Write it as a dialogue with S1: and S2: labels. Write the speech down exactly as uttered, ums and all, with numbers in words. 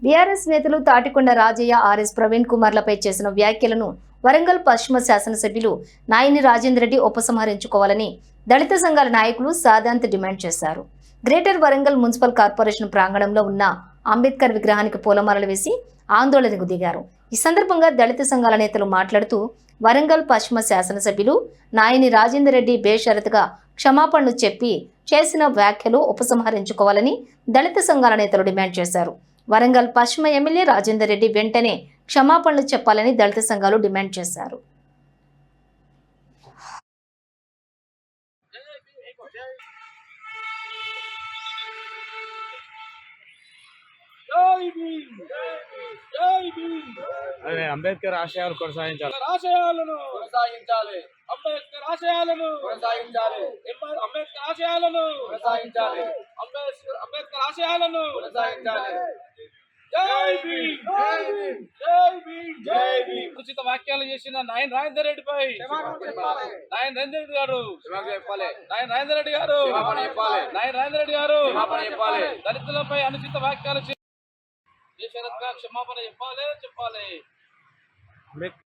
S1: BRS నేతలు Tatikonda Rajaiah, RS Praveen కుమార్లపై చేసిన వ్యాఖ్యలను వరంగల్ పశ్చిమ శాసనసభ్యులు నాయని రాజేందర్ రెడ్డి ఉపసంహరించుకోవాలని దళిత సంఘాల నాయకులు సాదాంత్ డిమాండ్ చేశారు. గ్రేటర్ వరంగల్ మున్సిపల్ కార్పొరేషన్ ప్రాంగణంలో ఉన్న అంబేద్కర్ విగ్రహానికి పూలమాలలు వేసి ఆందోళనకు దిగారు. ఈ సందర్భంగా దళిత సంఘాల నేతలు మాట్లాడుతూ వరంగల్ పశ్చిమ శాసనసభ్యులు నాయని రాజేందర్ రెడ్డి బేషరతుగా క్షమాపణలు చెప్పి చేసిన వ్యాఖ్యలు ఉపసంహరించుకోవాలని దళిత సంఘాల నేతలు డిమాండ్ చేశారు. వరంగల్ పశ్చిమ ఎమ్మెల్యే రాజేందర్ రెడ్డి వెంటనే క్షమాపణలు చెప్పాలని దళిత సంఘాలు డిమాండ్ చేశారు.
S2: అదే అంబేద్కర్ ఆశయాలు కొనసాగించాలి
S3: ఆశయాలను కొనసాగించాలి అంబేద్కర్ ఆశయాలను కొనసాగించాలి అంబేద్కర్ ఆశయాలను కొనసాగించాలి అంబేద్కర్ అంబేద్కర్ ఆశయాలను కొనసాగించాలి. జై భీమ్ జై భీమ్ జై భీమ్ జై భీమ్. ఉచిత వ్యాఖ్యలు చేసిన నాయన్ రాజేందర్ రెడ్డిపై నాయన్ రాజేందర్ రెడ్డి గారు నాయన్ రాజేందర్ రెడ్డి గారు నాయన్ రాజేందర్ రెడ్డి గారు దళితులపై అనుచిత వ్యాఖ్యలు క్షమాపణ చెప్పాలి చెప్పాలి.